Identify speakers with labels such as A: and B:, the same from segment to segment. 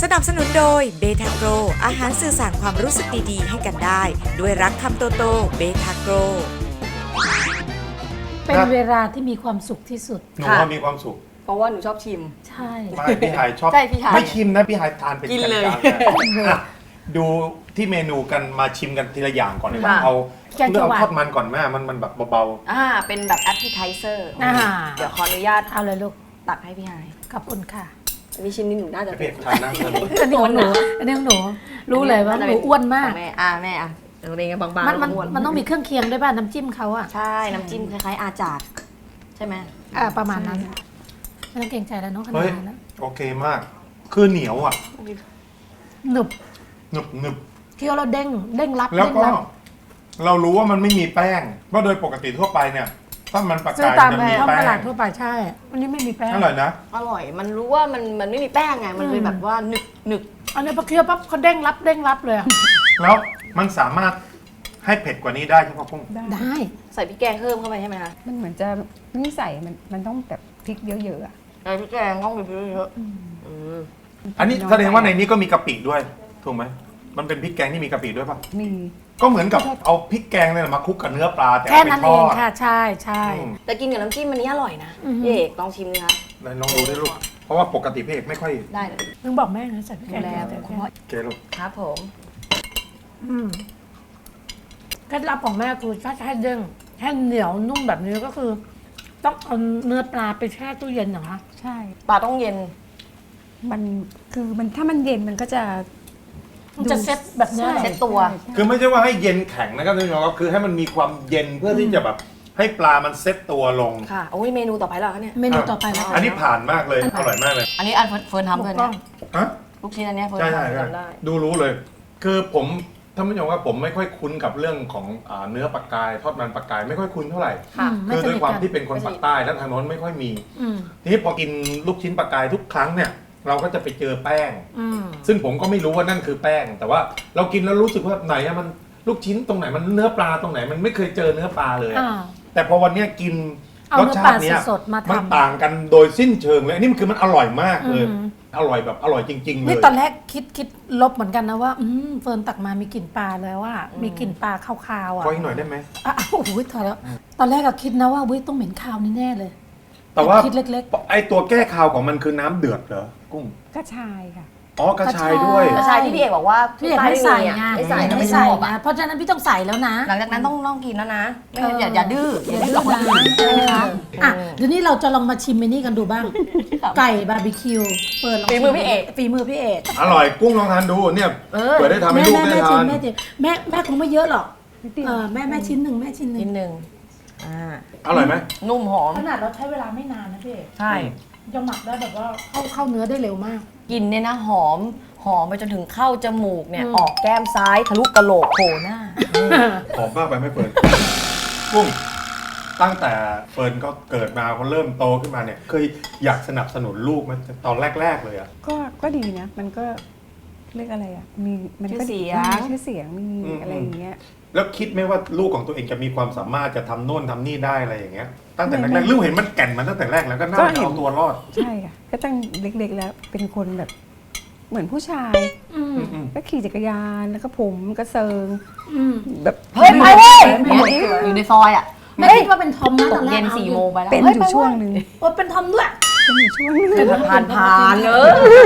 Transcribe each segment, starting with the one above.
A: สนับสนุนโดยเบทาโกรอาหารสื่อสารความรู้สึกดีๆให้กันได้ ด้วยรักคำโตโตเบทาโกร
B: เป็นเวลาที่มีความสุขที่สุด
C: หนูว่ามีความสุข
D: เพราะว่าหนูชอบชิม
B: ใช่
C: ไม่พี่ไฮชอบ
D: ใช่พี่ไฮ
C: ไม่ชิมนะพี่ไฮทานเป็น
D: กินเลย
C: จานๆอ่ะดูที่เมนูกันมาชิมกันทีละอย่างก่อนเลย
D: ค่ะ
C: เอาเรื่องเอาทอดมันก่อนแม่มันแบบเบา
D: เป็นแบบ appetizer เดี๋ยวขออนุญาต
B: เอาเลยลูก
D: ตักให้พี่ไฮ
B: ขอบคุณค่ะ
D: อันนี้ชิมนี่หนูน่าจะ
C: ๆเผ็ดทานนะ
B: อันนี้ของหนูอันนี้ของหนูรู้เลยว่าหนูอ้วนมาก
D: ของแม่แม่หนูเองบางๆ
B: มัน
D: อ้วน
B: มันต้องมีเครื่องเคียงด้วยป่ะน้ำจิ้มเขาอะ
D: ใช่น้ำจิ้มคล้ายๆอาจาดใช่ไหม
B: ประมาณนั้นไม่ต้องเกรงใจแล้วเน้องขนา
C: เฮ้
B: ด
C: ย
B: นั้นแล้ว
C: โอเคมาก คือเหนียวอ่ะ
B: หนึบ
C: หนึบหนึบ
B: เคี้ยวแล้วเด้งเด้งรับ
C: แล้ว
B: เด้ง
C: ก็
B: รับ
C: เรารู้ว่ามันไม่มีแป้งเพราะโดยปกติทั่วไปเนี่ยถ้ามันปลา
B: ซื้อก
C: าย
B: ตาม
C: จะ
B: แผ
C: มี
B: งท้อง
C: แป้
B: ตลาง ดทั่วไปใช่อันนี้ไม่มีแป้ง
C: อร่อยนะ
D: อร่อย มันรู้ว่ามันไม่มีแป้งไง มันเลยแบบว่าหนึบ
B: อันนี้พอเคี้ยวปั๊บเขาเด้งรับเลยอะ
C: แล้วมันสามารถให้เผ็ดกว่านี้ได้ใช่ไหมพุ่ง
B: ได้
D: ใส่พริกแกงเพิ่มเข้าไปใช่ไหมคะ
E: มันเหมือนจะไม่ใส่มันต้องแบบพริกเยอะๆอะ
D: ใส่พริกแกงต้องมีพริกเยอะ
C: อันนี้แสดงว่าในนี้ก็มีกะปิด้วยถูกไหมมันเป็นพริกแกงที่มีกะปิด้วยป่ะ
E: มี
C: ก็เหมือนกับเอาพริกแกงเนี่ยมาคลุกกับเนื้อปลาแต่
B: แค่
C: เอาไป
B: นั้น
C: ท
B: เอ
C: อง ด
B: ค่ะใช่ใช่
D: แต่กินกับน้ำจิ้มอันนี้อร่อยนะ
B: อือฮึ
D: พี่เอกลองชิมดิคะ
C: ไหนลองดูได้ลูกเพราะว่าปกติพี่เอกไม่ค่อย
D: ได้เลย
B: มึงบอกแม่นะใส่พริกแกง
D: แล้ว
B: ใส่พริกแกง
C: เกลูก
D: ครับผม
B: เคล็ดลับของแม่คือถ้าจะให้เด้งให้เหนียวนุ่มแบบนี้ก็คือ ต้องเอาเนื้อปลาไปแช่ตู้เย็นเหรอคะ
E: ใช่
D: ปลาต้องเย็น
E: มันคือมันถ้ามันเย็นมันก็จะ
B: มันจะเซ็ตแบบเนี้ย
E: ใช่
D: เซ็ตตัว
E: ใช่
C: คือไม่ใช่ว่าให้เย็นแข็งนะครับท่านผู้ชมครับคือให้มันมีความเย็นเพื่อที่จะแบบให้ปลามันเซ็ตตัวลง
D: ค่ะโอ้ยเมนูต่อไปแล้วเหรอคะเนี่ย
B: เมนูต่อไปแล้ว
C: อันนี้ผ่านมากเลยอร่อยมากเลย
D: อันนี้อันเฟิร์นทำ
B: ถู
D: เล
B: ก
D: ย
B: ต้
D: นะ
B: อง
C: ฮะ
D: ลูกชิ้นอันเนี้ยเฟิร์น
C: ใช่ใช่
D: ทำ
C: ใช่
D: จำได้
C: ดูรู้เลย คือผมท่านผู้ชมว่าผมไม่ค่อยคุ้นกับเรื่องของเนื้อปลากายทอดมันปลากายไม่ค่อยคุ้นเท่าไหร่
D: ค่ะ
B: ไม่
C: คือ
B: ส
C: ด้วย
B: นิท
C: ความ
B: กัน
C: ที่เป็นคนปากใต้แล้วทางโน้นไม่ค่อยมี
B: อืม
C: ทีนี้พอกินลูกชิ้นปลากายทุกครั้งเนี่ย เราก็จะไปเจอแป้ง
B: อืม
C: ซึ่งผมก็ไม่รู้ว่านั่นคือแป้ง แต่ว่าเรากินแล้วรู้สึกว่าไหนอะมันลูกชิ้นตรงไหนมันเนื้อปลาตรงไหนมันไม่เคยเจอเนื้อปลาเลยอะ
B: อ่า
C: แต่พอวันเนี้ยกิน
B: เอา
C: รส
B: เนื้อ
C: ชา
B: ปลา
C: ติเนี้ย
B: สดๆมาทำ
C: มันต่างกันโดยสิ้นเชิงเลยอันนี้มันคือมันอร่อยมากเลย
B: อืม
C: อร่อยแบบอร่อยจริง ๆ เล
B: นี่
C: ย
B: ตอนแรกคิดลบเหมือนกันนะว่าเฟิร์นตักมามีกลิ่นปลาเลยว่า มีกลิ่นปลาคาวๆอ่ะ
C: ขออีกหน่อยได้ไหม
B: โอ้โหถอยแล้ว ตอนแรกก็คิดนะว่าวิต้องเหม็นคาวนี่แน่เลย
C: แต่ว่า
B: คิดเล็ก
C: ไอตัวแก้คาวของมันคือน้ำเดือดเหรอกุ้ง
E: กระชายค่ะ
C: อ๋อกระชายด้วย
D: กระชายที่พี่เอกบอกว่า
B: พี่เอกไม่ใส่ไง
D: ไม่ใส่นะ
B: ไม่
D: ไม่ช
B: ใส่
D: อบ
B: นะ
D: อะ
B: เพราะฉะนั้นพี่ต้องใส่แล้วนะ
D: หลังจากนั้นต้องกินแล้วนะไม่งั้นอย่าดื้ออย่าดื้อ
B: ดื้
D: กับคนอื่น
B: ใช่ไหมคะ
D: อ่ะ
B: เดี๋ยวนี้เราจะลองมาชิมเมนี่กันดูบ้าง ไก่บาร์บีคิวเปิดลอง
D: ฝีมือพี่เอก
B: ฝีมือพี่เอก
C: อร่อยกุ้งลองทานดูเนี่ยเผื่อได้ทำให้ลูกได้ทาน
B: แม่คงไม่เยอะหรอก
E: นิดเดียว
B: แม่ชิ้นหนึ่งแม่ชิ้นหนึ่
D: นิ
B: ง
D: ดนึง
C: อร่อยไหม
D: นุ่มหอม
B: ขนาดเราใช้เวลาไม่นานนะพี่เอก
D: ใช่
B: ยังหมักได้แบบว่าเข้าเนื้อได้เร็วมาก
D: กลินเนี่ยนะหอมไปจนถึงเข้าจมูกเนี่ย
B: อืม
D: ออกแก้มซ้ายทะลุกะโหลกโผล่หน้า
C: หอมมากไปไหม่เฟิร์นกุ้งตั้งแต่เฟิร์นก็เกิดมาเขาเริ่มโตขึ้นมาเนี่ยเคยอยากสนับสนุนลูกมันตอนแรก ๆ เลยอะ
E: ก็ดีนะ มันก็เรียกอะไรอ่ะมีมันก็
D: ชื่อเสียง
E: มีชื่อเสียงมีอะไรอย่างเงี้ย
C: แล้วคิดไหมว่าลูกของตัวเองจะมีความสามารถจะทำโน่นทำนี่ได้อะไรอย่างเงี้ยตั้งแต่แรกๆลูกเห็นมันแก่นมันตั้งแต่แรกแล้วก็น่า
E: ก็
C: จะ
E: เห็น
C: เอาตัวรอด
E: ใช่ค่ะ ก็ตั้งเล็กๆแล้วเป็นคนแบบเหมือนผู้ชาย
B: อืม
E: ก็ขี่จักรยานแล้วก็ผมก็เซิง
B: อืม
E: แบบ
D: เฮ้ยไปเว้ย
B: ไม่
D: อยู่ในซอยอ่ะ
B: ไม่คิดว่าเป็นทอมนะ
D: ต
B: ตอก นแร
D: เย็
B: ก
D: น4 โมงไปแล้ว
E: เป็น
D: ฮ้
E: อยู่ช่วงหนึ่ง
B: โอ้เป็นทอมด้วย
E: เป็นอยู่ช่วงหนึ่ง
D: ผ่านเลย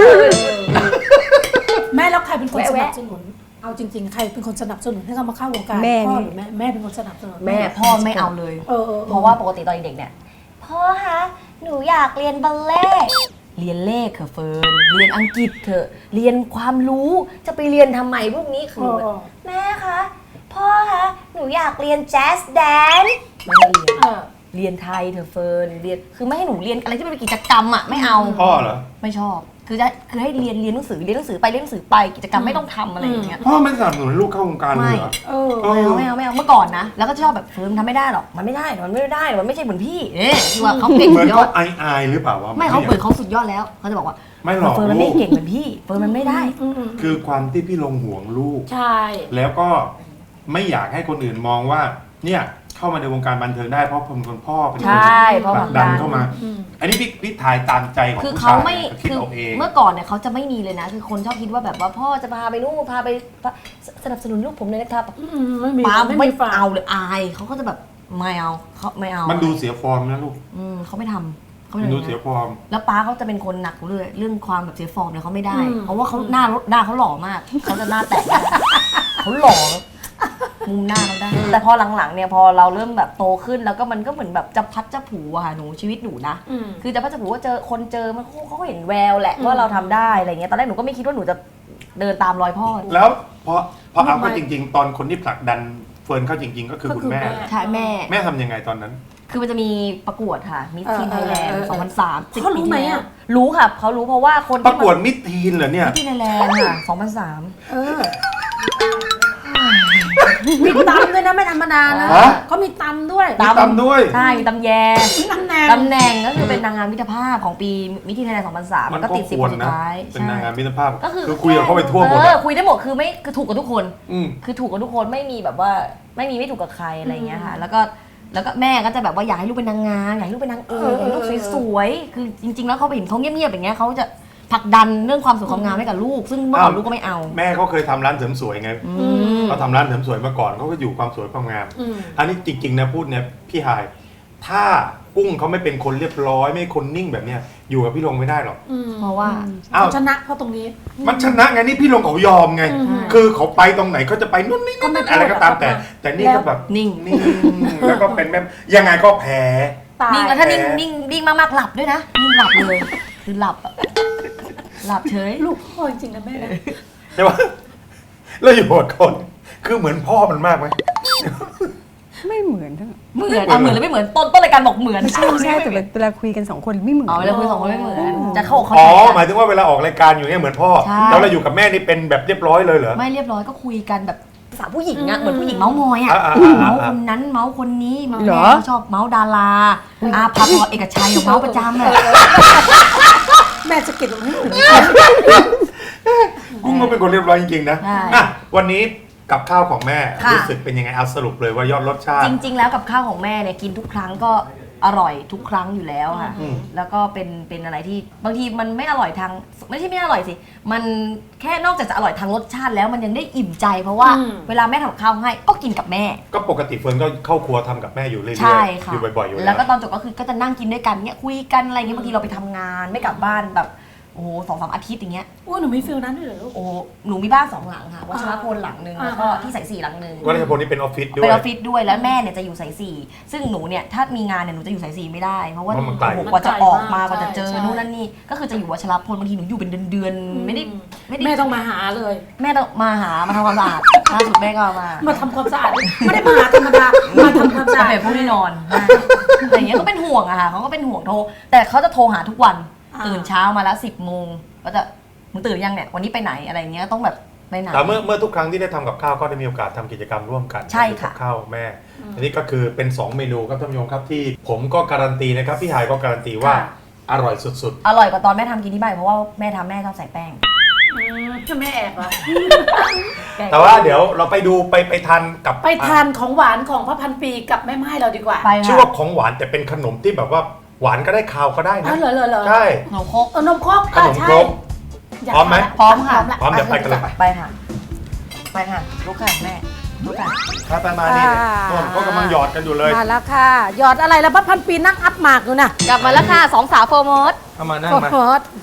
B: แม่แล้วใครเป็นคนส
D: แวะ
B: นับสนุน เอาจริงๆ ใครเป็นคนสนับสนุนให้เขามาเข้าวงการ
E: แม่
B: พ่อ
E: นี่
B: หรือแม่เป็นคนสนับสนุน
D: แม่พ่อไม่เอาเลย เพราะว่าปกติตอนเด็กเนี่ยพ่อคะหนูอยากเรียนบัลเล่ต์เรียนเลขเถอะเฟิร์นเรียนอังกฤษเถอะเรียนความรู้จะไปเรียนทำไมพวกนี้คือแม่คะพ่อคะหนูอยากเรียนแจ๊สแดนซ์ไม่ให้เรียนเรียนไทยเถอะเฟิร์นเรียนคือไม่ให้หนูเรียนอะไรที่มันเป็นกิจกรรมอ่ะไม่เอา
C: พ่อเหรอ
D: ไม่ชอบคือให้เรียนหนังสือไปเรียนหนังสือไปกิจกรรมไม่ต้องทำอะไรอย่างเงี้ย
C: พ่อไม่สนับสนุนลูกเข้าวงการเลยเหรอ
D: ไม่เอาเมื่อก่อนนะแล้วก็ชอบแบบเฟิร์นทำไม่ได้หรอกมันไม่ได้มันไม่ใช่เหมือนพี่คือว่าเขาเก่ง
C: เหมื
D: สุ
C: อน
D: ดยอ
C: เขา
D: ด
C: อายหรือเปล่าวะ
D: ไม่เขาเหมือนเขาสุดยอดแล้วเขาจะบอกว่า
C: ไม่หรอก
D: เฟิร์นมันไม่เก่งเหมือนพี่เฟิร์นมันไม่ได้
C: คือความที่พี่ลงห่วงลูก
B: ใช่
C: แล้วก็ไม่อยากให้คนอื่นมองว่าเนี่ยเข้ามาในวงการบันเทิงได้เพราะผมคนพ่อเป็นคน
D: ใช่เพราะ
C: ผลักดันเข้ามา
B: อืม
C: อันนี้พี่ถ่ายตามใจของ
D: คือ
C: ผู้
D: เขา
C: ชาย
D: ไม่
C: นะคิด
D: คือ
C: เอาเอง
D: เมื่อก่อนเนี่ยเขาจะไม่มีเลยนะ คือคนชอบคิดว่าแบบว่าพ่อจะพาไปนู่นพาไปสนับสนุนลูกผมเลยนะครับ
B: ไม่มี
D: ป้า
B: ไม่
D: ไม่
B: มีฝาก
D: เอาเลยอายเขาก็จะแบบไม่เอาเขาไม่เอา
C: มันดูเสียฟอร์มนะลูก
D: เขาไม่ทำเขาไม่
C: มัน
D: ทำ
C: ดู
D: อย่าง
C: เสีย
D: นั้น
C: ฟอร์ม
D: แล้วป้าเขาจะเป็นคนหนักเลยเรื่องความแบบเสียฟอร์มเนี่ยเขาไม่ได้ เพราะว่าเขาหน้าเขาหล่อมากเขาจะหน้าแตกเขาหล่อมุมหน้าเขาได้ แต่พอหลังๆเนี่ยพอเราเริ่มแบบโตขึ้นแล้วก็มันก็เหมือนแบบจะพัดจะผูอะค่ะหนูชีวิตหนูนะ คือจะพัดจะผูว่าเจอคนเจอมันเขาก็เห็นแววแหละว่าเราทำได้อะไรเงี้ยตอนแรกหนูก็ไม่คิดว่าหนูจะเดินตามรอยพ่อ
C: แล้วพอเอาเข้าจริง ๆ ตอนคนที่ผลักดันเฟิร์นเข้าจริง ๆ ก็คือคุณแม่
D: ใช่แม่
C: แม่ทำยังไงตอนนั้น
D: คือมันจะมีประกวดค่ะมิสทีนไทยแลนด์2003
B: เขารู้ไหมอะ
D: รู้ค่ะเขารู้เพราะว่าคน
C: ประกวดมิดทีนเหรอเนี่ย
D: มิสทีนไทยแลนด์ค่ะ2003
B: เออมีตำด้วยนะไม่ธรรมดานะ
C: ฮะ
B: เขามีตำด้วย
C: มีตำด้วย
D: ใช่มีตำแย
B: มีตำแหน่ง
D: ตำแหน่งก็คือเป็นนางงามมิตรภาพของปีมิสทีนไทยแลนด์2003
C: มัน
D: ก็
C: ก็
D: ติด
C: ค
D: 10
C: ว
D: ค
C: ร
D: นสุด
C: นะ
D: ท้าย
C: เป็นนางงามมิตรภาพ
D: ก็คือ
C: คุยกับเขาไปทั่วหมดอะ
D: คุยได้หมดคือไม่คือถูกกับทุกคน
C: อืม
D: คือถูกกับทุกคนไม่มีแบบว่าไม่ถูกกับใครอะไรอย่างเงี้ยค่ะ แล้วก็แม่ก็จะแบบว่าอยากให้ลูกเป็นนางงามอยากให้ลูกเป็นนางเอกอยากให้ลูกสวยๆคือจริงๆแล้วเขาเห็นเขาเงียบๆอย่างเงี้ยเขาจะผลักดันเรื่องความสวยความงามให้กับลูก ซึ่งเมื่อก่อนลูกก็ไม่เอา
C: แม่เขาเคยทำร้านเสริมสวยไงเขาทำร้านเสริมสวยมาก่อนเขาก็อยู่ความสวยความงาม อันนี้จริงๆนะพูดเนี่ยพี่หาย ถ้ากุ้งเขาไม่เป็นคนเรียบร้อยไม่คนนิ่งแบบเนี้ยอยู่กับพี่ลงไม่ได้หรอก
D: เพราะว่า
C: อ้าว
B: ชนะเพราะตรงนี้
C: มันชนะไงนี่พี่ลงเขายอมไง คือเขาไปตรงไหนเขาจะไปนู่นนี่นั่นอะไรก็ตามแต่นี่ก็แบบ
D: นิ่ง
C: นิ่งแล้วก็เป็นแบบยังไงก็แพ้
B: ตาย
D: นิ่งแล้วถ้านิ่ง
C: แพ้
D: นิ่งมากๆหลับด้วยนะนิ่งหลับเลยคือหลับอะหลับเฉย
B: ลูกพ่อจริงๆนะแม่นะ
C: ใช่ปะแล้วอยู่กับคนคือเหมือนพ่อมันมากไหม
E: ไม่เหมือนทั้ง
D: เหมือนเหมือนหรือไม่เหมือนต้นรายการบอกเหมือน
E: ไม่ใช่แต่เวลาคุยกันสองคนไม่เหมือน
D: อ๋อเวลาคุยสองคนไม่เหมือนจะเข้าอกเข้า
C: อ๋อ
D: ใจ
C: หมายถึงว่าเวลาออกรายการอยู่เนี่ยเหมือนพ่อ
D: ใช่
C: แล้วเราอยู่กับแม่นี่เป็นแบบเรียบร้อยเลยเหรอ
D: ไม่เรียบร้อยก็คุยกันแบบภาษาผู้หญิงอะเหมือนผู้หญิงเมาส์มอยอะ
C: อ่า
D: เมาส์คนนั้นเมาส์คนนี้
E: เหรอ
D: แม่ก็ชอบเมาส์ดาราอาภาพรเอกชัยเมาส์ประจำเลย
B: แม่จะเก็บไว้ให้หนู
C: กุ้งก็เป็นคนเรียบร้อยจริงๆนะ
D: ใช่
C: อ่ะวันนี้กับข้าวของแม่
D: ค่ะ
C: รู้สึกเป็นยังไงเอาสรุปเลยว่ายอดรสชาติ
D: จริง ๆ แล้วกับข้าวของแม่เนี่ยกินทุกครั้งก็อร่อยทุกครั้งอยู่แล้วค่ะ
C: อืม
D: แล้วก็เป็นอะไรที่บางทีมันไม่อร่อยทางไม่ใช่ไม่อร่อยสิ มันแค่นอกจากจะอร่อยทางรสชาติแล้วมันยังได้อิ่มใจ เพราะว่าเวลาแม่ทำกับข้าวให้ก็กินกับแม่
C: ก็ปกติเฟิร์นก็เข้าครัวทำกับแม่อยู่เรื่อย
D: ใช่
C: ๆ
D: ค่ะ
C: อยู่บ่อยๆอยู่
D: แล้
C: แล้ว ว
D: ก็ตอนจบก็คือก็จะนั่งกินด้วยกันเนี้ยคุยกันอะไรเงี้ยบางทีเราไปทำงานไม่กลับบ้านแบบโอ้โห2-3 อาทิตย์อย่างเงี้ย
B: โอ้หนูมีฟิลนั้นด้วยเหรอลูก
D: โอ้หนูมีบ้าน2 หลังค่ะวัชรพลหลังหนึ่งแล้วก็ที่สาย4หลังหนึ่ง
C: วัชรพลนี่เป็นออฟฟิศด้ว
D: เป็น
C: ย
D: ออฟฟิศด้วยแล้วแม่เนี่ยจะอยู่สาย4ซึ่งหนูเนี่ยถ้ามีงานเนี่ยหนูจะอยู่สาย4ไม่ได้เพราะว่า
C: เพราะมันไกล
D: โอ้โหกว่าจะออกมากว่าจะเจอ
B: ใช่
D: นู่นนั่นนี่ก็คือจะอยู่วัชรพลบางทีหนูอยู่เป็นเดือนๆไม่ได้
B: แม่ต้องมาหาเลย
D: แม่ต้องมาหามาทำความสะอาดล่าสุดแม่ก็มา
B: มาทำความสะอาดไม่ได้มาหาธรรมดามาทำความสะ
D: จะ
B: อาด
D: เป็นผู้ที่นอนอะไรอย่างเงี้ยก็เป็นห่วงอะค่ะเขาก็เป็นห่วงโทรแต่เขาจะโทรหาทุกวันตื่นเช้ามาละ10 โมงก็จะมึงตื่นยังเนี่ยวันนี้ไปไหนอะไรเงี้ยต้องแบบไปไหน
C: แต่เมื่อทุกครั้งที่ได้ทำกับข้าวก็ได้มีโอกาสทำกิจกรรมร่วมกัน
D: ใช่ค่ะ
C: กับข้าวแม่ อันนี้ก็คือเป็น 2 เมนูครับท่านผู้ชมครับที่ผมก็การันตีนะครับพี่หายก็การันตีว่าอร่อยสุด
D: อร่อยกว่าตอนแม่ทำกินที่บ้านเพราะว่าแม่ทำแม่ชอบใส่แป้ง
B: แม่แอบเหรอ
C: ๆ แต่ว่าเดี๋ยวเราไปดูไปทานกับ
B: ไปทานของหวานของพระพันปีกับแม่ไม้เราดีกว่า
D: ไป
C: ชื่อ
D: ค่ะ
C: ว่าของหวานแต่เป็นขนมที่แบบว่าหวานก็ได้คาวก็ได้
B: อ๋
C: นะ
B: อเหรอ
C: ใช่
D: ขนมครก
B: นมครก
C: ขนมครก
B: อยาก
C: พร้อมไหม
D: พร้อมค่ะ
C: พร้อมเดี๋ยวไปกันเลย
D: ไปค่ะไปค่ะลูกค่ะแม่ลูกค่ะ
C: ครับไปมานี่ต้นก็กำลังหยอดกันอยู่เลย
B: มาแล้วค่ะหยอดอะไรแล้วพระพันปีนั่งอัพหมากอยู่น่ะ
D: กลับมาแล้วค่ะ2 สาวโฟร์โมด
C: เอามานั่ง
B: โอ้
C: มา
B: โห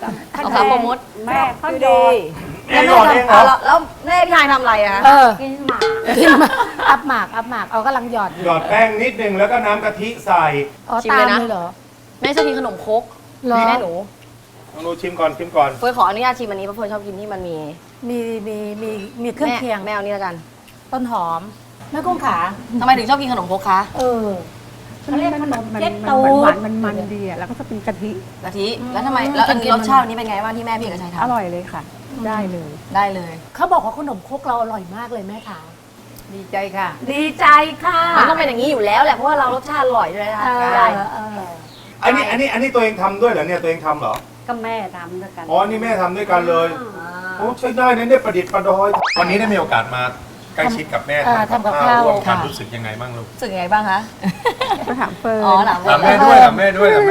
D: 2 สาวโฟร์โมด
E: แม่เขาดี
C: เองหยอดเองเหรอ
D: แล้วแม่พี่ชายทำอะไรอะ
B: เออ
E: กินหมาก
B: กินมาอัพหมากเอากำลังหยอดอยู่
C: หยอดแป้งนิดนึงแล้วก็น้ำกะทิใส่
B: อ๋อตามเลยเหรอ
D: แม่ชอบกินขนมครก
B: เหรอ
D: แม่หนู
C: ลองดูชิมก่อนชิมก่อน
D: เฟิร์นขออนุญาตชิมอันนี้เพราะเฟิร์นชอบกินที่มันมี
B: มีเครื่องเคียง
D: แม่เอานี่แล้วกัน
B: ต้นหอมแม่กุ้งขา
D: ทำไมถึงชอบกินขนมครกคะ
B: เออเขาเรียกขนม
E: มัน
B: เจ็ด
E: มัน
B: ตู
E: หวาน
B: ด
E: มันดีอ่ะแล้วก็จะเป็นกะทิ
D: กะทิแล้วทำไมแล้วอันนี้รสชาตินี้เป็นไงบ้างที่แม่พี่เอกชัย
E: อ
D: ทำ
E: ร่อยเลยค่ะ ได้เลย
D: ได้เลย
B: เขาบอกว่าขนมครกเราอร่อยมากเลยแม่ขา
E: ดีใจค่ะ
B: ดีใจค่ะ
D: มันต้องเป็นอย่างนี้อยู่แล้วแหละเพราะว่าเรารสชาติอร่อยด้วยนะคะ
B: เอ
D: ได้
B: อ
C: อันนี้ตัวเองทำด้วยเหรอเนี่ยตัวเองทำเหรอ
E: ก็แม่ทำด้วยกัน
C: อ๋อนี่แม่ทำด้วยกันเลยโอ้ใช้ได้นะเนี่ยประดิษฐ์ประดอย วันนี้ได้มีโอกาสมาใกล้ชิดกับแม่ทำกับข้าวร่วมกันรู้สึกยังไงบ้างลูก
D: รู้สึกยังไงบ้างคะ
E: ก็ถามเฟิร์น
D: อ๋อถาม
C: ถามแม่ด้วยถามแม่ด้วยถามแม่ด้วย
D: เอ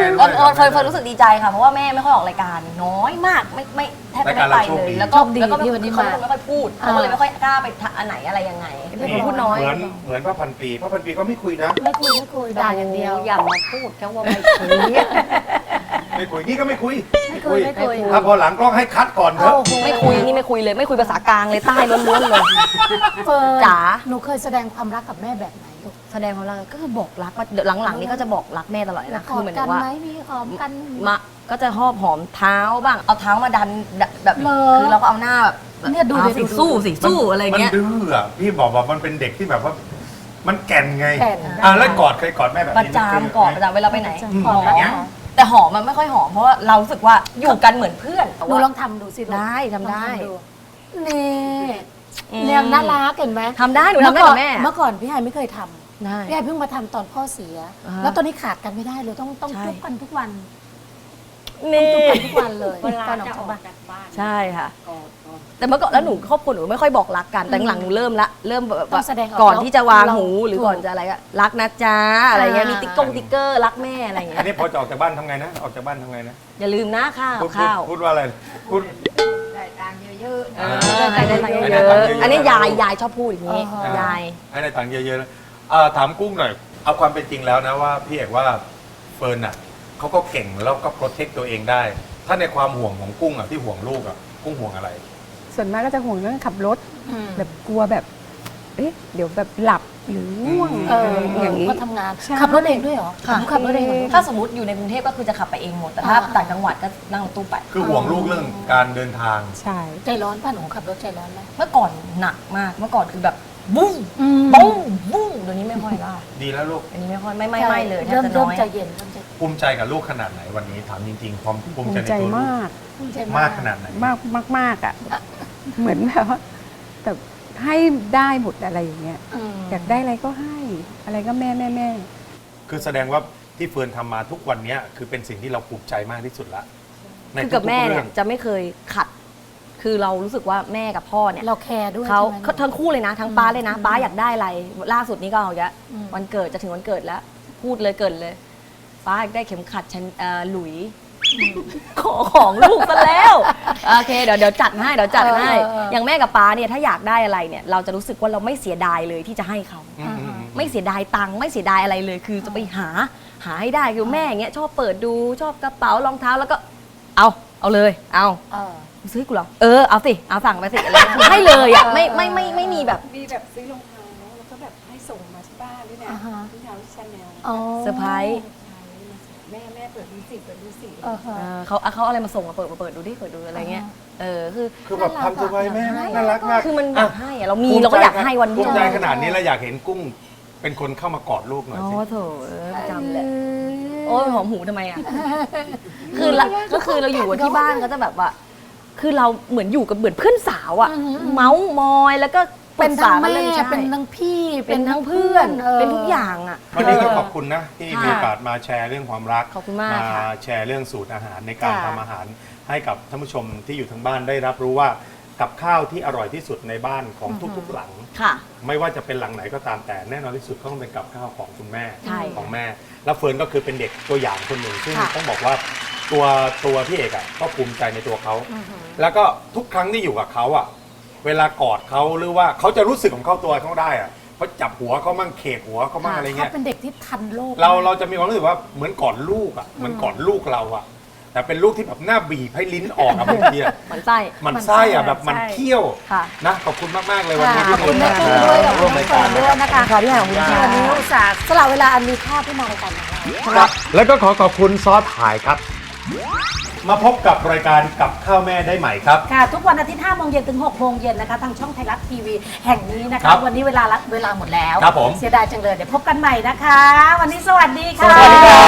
D: เฟิร์นรู้สึกดีใจค่ะเพราะว่าแม่ไม่ค่อยออกรายการน้อยมากไม่แทบจะไม่ไปเลยแล้วก็ไม่ค่อยพูดเขาก็เลยไม่ค่อยกล้าไปอันไหนอะไรยังไงพูดน้อย
C: เหมือนพระพันปีพระพันปีก็ไม่คุยนะ
B: ไม่คุยด่าอย่างเดียว
D: อย่ามาพูดแค่ว่าไม่คุย
C: ไม่คุยนี่ก็ไม่คุย
B: ไม่คุย
C: ถ้าพอหลังกล้องให้คัดก่อนเถอะ
D: ไม่คุยนี่ไม่คุยเลยไม่คุยภาษากลางเลยใต้ล้วนๆเลย
B: เฟิร์น
D: จ๋า
B: หนูเคยแสดงความรักกับแม่แบบไหนลูก
D: แสดงความรักก็คือบอกรักว่าหลังๆนี่ก็จะบอกรักแม่ตลอดเลยนะคือเหมือน
B: กัน
D: ว่า
B: ไหมมีหอมกัน
D: มาก็จะหอบหอมเท้าบ้างเอาเท้ามาดันแบบ
B: เหรอ
D: คือเราก็เอาหน้าแบบ
B: เนี่ยดูดิ
D: อาสิสู้อะไรเงี้ย
C: มันดื้ออ่ะพี่บอกว่ามันเป็นเด็กที่แบบว่า มันแก่นไง
B: แก่น
C: แล้วกอดเคยกอดแม่แบบ
D: ประ
C: นี้
D: จามกอดประจามเวลาไปไหน
B: หอม
C: อย่างเงี้ย
D: แต่หอมมันไม่ค่อยหอมเพราะว่าเรารู้สึกว่าอยู่กันเหมือนเพื่อน
B: หนูลองทำดูสิลูก
D: ได้ทำได้
B: ลองทำดูนี่เนี่ยน่ารักเห็นไหม
D: ทำได้หนูทำได้กับแม่
B: เมื่อก่อนพี่ไฮไม่เคยทำ
D: ได้
B: พี่ไฮเพิ่งมาทำตอนพ่อเสีย
D: อ่า
B: แล้วตอนนี้ขาดกันไม่ได้เลยต้อง
D: ใช่
B: ทุบกันทุกวัน
D: นี่
B: ทุบกันทุกวันเลยตอนออกจากบ้าน
D: ใช่ค่ะ แต่เมื่อก่อนแล้วหนูครอบครัวหนูไม่ค่อยบอกรักกันแต่หลังๆหนูเริ่มแบบ
B: ต้อ
D: ว่าง
B: แสดงออก
D: ก่อนที่จะวางหู
B: เรา
D: หรือก่อนจะอะไรก็รักนะจ๊ะอะไรเงี้ย
B: อ่ามี
D: มีติ๊กเกอร์รักแม่อะไรเงี้
C: อัน
D: ย
C: นี้พอจะออกจากบ้านทำไงนะ ออกจากบ้านทำไงนะ
D: อย่าลืมนะข้าว
C: พูดว่าอะไรพูด
D: ได้ตังค์
C: ได้
D: เย
C: ตังค์เย
D: อะ
C: อะ
D: ๆอันนี้ยายชอบพูดอย่างนี้
B: อ่า
D: ยาย
C: ให้ได้ตังค์เยอะๆนะถามกุ้งหน่อย เอาความเป็นจริงแล้วนะว่าพี่เอกว่าเฟิร์นอ่ะเขาก็เก่งแล้วก็โปรเทคตัวเองได้ ถ้าในความห่วงของกุ้งอ่ะที่ห่วงลูกอ่ะกุ้งห่วงอะไร
E: ส่วนมากก็จะห่วงเรื่องขับรถ แบบกลัวแบบ เอ๊ะ เดี๋ยวแบบหลับหรือง่วง
B: เออ
E: อะไรอย่างนี้
B: ก็ทำงาน
E: ใช่
B: ขับรถเองด้วยเหรอหนูขับรถเองเหรอ
D: ถ้าสมมติอยู่ในกรุงเทพก็คือจะขับไปเองหมดแต่ถ้าต่างจังหวัดก็นั่งรถตู้ไป
C: คือห่วงลูกเรื่องการเดินทาง
E: ใช่
B: ใจร้อนป่ะหนูขับรถใจร้อนไหม
D: เมื่อก่อนหนักมากเมื่อก่อนคือแบบบุ้ง
B: อืม
D: บุ้งบุ้งเดี๋ยวนี้ไม่ค่อยละ
C: ดีแล้วลูก
D: อันนี้ไม่ค่อยไม่เลยแทบ
B: เริ่ม
D: จะ
B: เริ่
D: น้
B: ม
D: อย
B: ใจเย็นเริ่มใจ
C: ภูมิใจกับลูกขนาดไหนวันนี้ถามจริงๆความภู
E: ภู
C: มิ
E: มิ
C: ใจใน
E: ใจ
C: ตัวลูก
E: มาก
B: ภูมิใจ
C: มากขนาดไหน
E: มากมากมากอ่ะ เหมือนแบบว่าแต่ให้ได้หมดอะไรอย่างเงี้ย อยากได้อะไรก็ให้ อะไรก็แม่
C: คือแสดงว่าที่เฟิร์นทำมาทุกวันเนี้ยคือเป็นสิ่งที่เราภูมิใจมากที่สุดละใน
D: คือกับ
C: ทุๆ
D: แม่
C: รื่
D: เนี่
C: อย ง
D: จะไม่เคยขัด คือเรารู้สึกว่าแม่กับพ่อเนี่ย
B: เราแคร์ด้วย
D: เขา
B: ใช่ไหม
D: ทั้งคู่เลยนะ ทั้งป้าเลยนะป้าอยากได้อะไร ล่าสุดนี้ก็เอาอีกแล้ว
B: อืม
D: วันเกิดจะถึงวันเกิดแล้ว พูดเลยเกิดเลยป้าอยากได้เข็มขัดฉันหลุยขอของลูกซะแล้วโอเคเดี๋ยวจัดให้อย่างแม่กับป้าเนี่ยถ้าอยากได้อะไรเนี่ยเราจะรู้สึกว่าเราไม่เสียดายเลยที่จะให้เขา
C: อืม
D: ไม่เสียดายตังค์ไม่เสียดายอะไรเลย คือจะไปหาให้ได้คือแม่อย่างเงี้ยชอบเปิดดูชอบกระเป๋ารองเท้าแล้วก็เอาเลยเอา
B: เออ
D: ซื้อให้กูเหรอเอาสิเอาสั่งไปสิอะไรเงี้ยให้เลยอ่ะไม่มีแบบ
E: มีแบบซื้อรองเท้าแล้วก็แบบให้ส่งมาที่บ้านด้วยนะ
B: อ่าฮะ
E: ที่เท้าชาแนล
B: อ๋อ
D: เซอร์ไพรส์
E: แม่เปิดดูสิเปิดดูสิ
B: เออฮะ
D: เขาเอาอะไรมาส่งมาเปิดดูดิเปิดดูอะไรเงี้ยคือ
C: คือแบบทำสบายแม่น่ารักมาก
D: คือมันอยากให้อะเรามีเราก็อยากให้วัน
C: ภู
D: เดียว
C: มิใจขนาดนี้แล้วอยากเห็นกุ้งเป็นคนเข้ามากอดลูกหน่อย
D: อ๋อ
C: สิ
D: โถประจำเลยโอ้ยหอมหูทำไมอ่ะคือก็คือเราอยู่ที่บ้านก็จะแบบว่า คือเราเหมือนอยู่กับเหมือนเพื่อนสาวอ่ะเมาส์มอยแล้วก็
B: เป็นทั้งแม่
D: ปรึกษากันรื่องใช่
B: เป็นทั้งพี่
D: เป็นทั้งเพื่อน เป็นทุกอย่างอ่ะ
C: วันนี้ก็ขอบคุณนะที่
D: ค่ะ
C: มีโอกาสมาแชร์เรื่องความรัก
D: ขอบคุณมากค่ะ
C: แชร์เรื่องสูตรอาหารในการ
B: ค่ะ
C: ทำอาหาร ให้กับท่านผู้ชมที่อยู่ทางบ้านได้รับรู้ว่ากับข้าวที่อร่อยที่สุดในบ้านของทุกๆหลัง
D: ค่ะ
C: ไม่ว่าจะเป็นหลังไหนก็ตามแต่แน่นอนที่สุดก็ต้องเป็นกับข้าวของคุณแม่
D: ใช่
C: ของแม่ แล้วเฟิร์นก็คือเป็นเด็กตัวอย่างคนหนึ่งซึ่ง
D: ค่ะ
C: ต้องบอกว่าตัวพี่เอกอะก็ภูมิใจในตัวเขา แล้วก็ทุกครั้งที่อยู่กับเขาอะเวลากอดเขาหรือว่าเขาจะรู้สึกของเขาตัวเขาได้อะเขาจับหัวเขามั่งเขกหัวเขามั่งอะไร
B: เขา
C: เงี้ย
B: เป็นเด็กที่ทันโลก
C: เราจะมีความรู้สึกว่าเหมือนกอดลูกอะเหมือนกอดลูกเราอะแต่เป็นลูกที่แบบหน้าบีบให้ลิ้นออกอะบางทีอะ
D: หมันไส้
C: มันไส้อะแบบมันเคี้ยว
D: ค่ะ
C: นะขอบคุณมากๆเลยวันนี้
B: ขอบคุณแม่กุ้งด้วยขอบ
C: ร่
B: คุ
C: ว
B: ณ
C: ม
B: แม่
C: ราย
B: เฟิ
C: การ
B: ร์นด้วยนะคะ
D: ค่ะพี่หางคุณ
B: ที่วันนี้อุตส่าห์สละเวลาอันมีค่าที่มารายการของเรา
C: ครับแล้วก็ขอบคุณซอสถ่ายครับ มาพบกับรายการกับข้าวแม่ได้ใหม่ครับ
B: ค่ะ ทุกวันอาทิตย์5โมงเย็นถึง6โมงเย็นนะคะทางช่องไทยรัฐทีวีแห่งนี้นะ
C: ครั
B: คะ
C: บ
B: วันนี้เวลาหมดแล้ว
C: ครับผม
B: เสียดายจังเลยเดี๋ยวพบกันใหม่นะคะ วันนี้สวัสดีค่ะ
C: สวัสดีครับ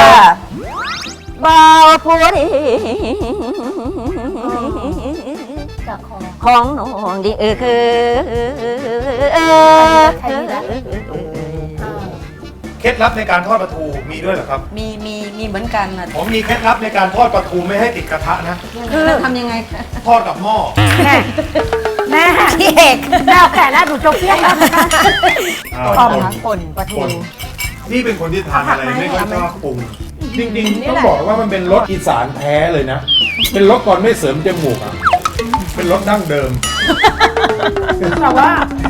D: บ่าวผู้ดี
B: จากของ
D: ของน้องดีคือ
B: ใครดีนะ
C: เคล็ดลับในการทอดปลาทูมีด้วยเหรอครับ
D: มีเหมือนกันนะ
C: ผมมีเคล็ดลับในการทอดปลาทูไม่ให้ติดกระทะนะ
D: คือทำยังไง
C: ทอดกับหม้อ
B: แม่พี่เอกแม่เอาแก่แล้วหนูจบเพี้ยนแล้วนะคะ
C: อ่า
D: ป่นปลาทู
C: คนที่เป็นคนที่ทานอะไรไม่ค่อยชอบปรุงจริงๆต้องบอกว่ามันเป็นรสอีสานแท้เลยนะ เป็นรสก่อนไม่เสริมจมูกอ่ะเป็นรสดั้งเดิม
B: แต่ว่า